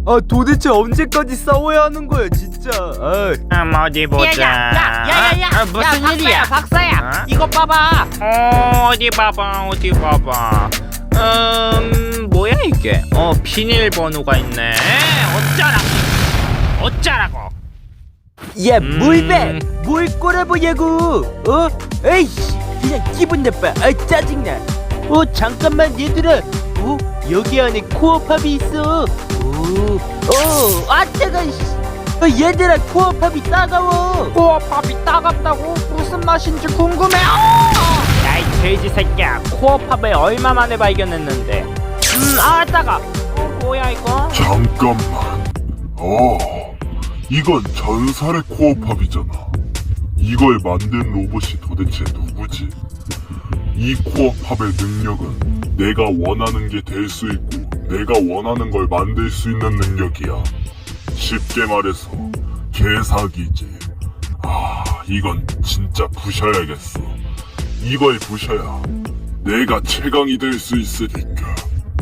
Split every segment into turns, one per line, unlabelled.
아 도대체 언제까지 싸워야 하는 거야 진짜.
어디 보자.
야야야야야야야
무슨 일이야?
박사야
어?
이거 봐봐.
어디 봐봐. 뭐야 이게? 비밀번호가 있네. 어쩌라고?
야 뭘봐 뭘 꼬라보냐고. 에이씨 그냥 기분 나빠. 짜증나. 잠깐만 얘들아. 여기 안에 코어팝이 있어. 뜨거. 얘들아 코어팝이 따가워.
코어팝이 따갑다고? 무슨 맛인지 궁금해.
야이 돼지 새끼야. 코어팝을 얼마 만에 발견했는데.
따가.
뭐야 이거?
잠깐만. 이건 전설의 코어팝이잖아. 이걸 만든 로봇이 도대체 누구지? 이 코어팝의 능력은 내가 원하는 게 될 수 있고 내가 원하는 걸 만들 수 있는 능력이야. 쉽게 말해서 개사기지. 이건 진짜 부셔야겠어. 이걸 부셔야 내가 최강이 될 수 있으니까.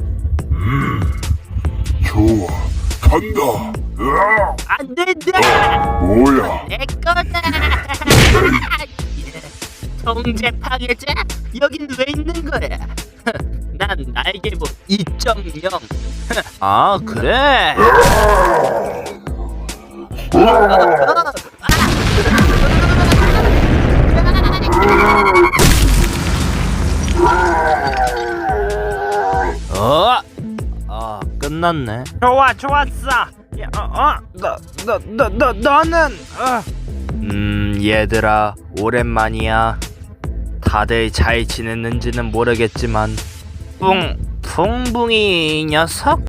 좋아, 간다.
안 된다.
뭐야?
내 거다. 통제 파괴자? 여긴 왜 있는 거야? 난 날개부 2.0.
그래.
끝났네.
좋았어. 너는
얘들아 오랜만이야. 다들 잘 지냈는지는 모르겠지만 뿡뿡이 녀석?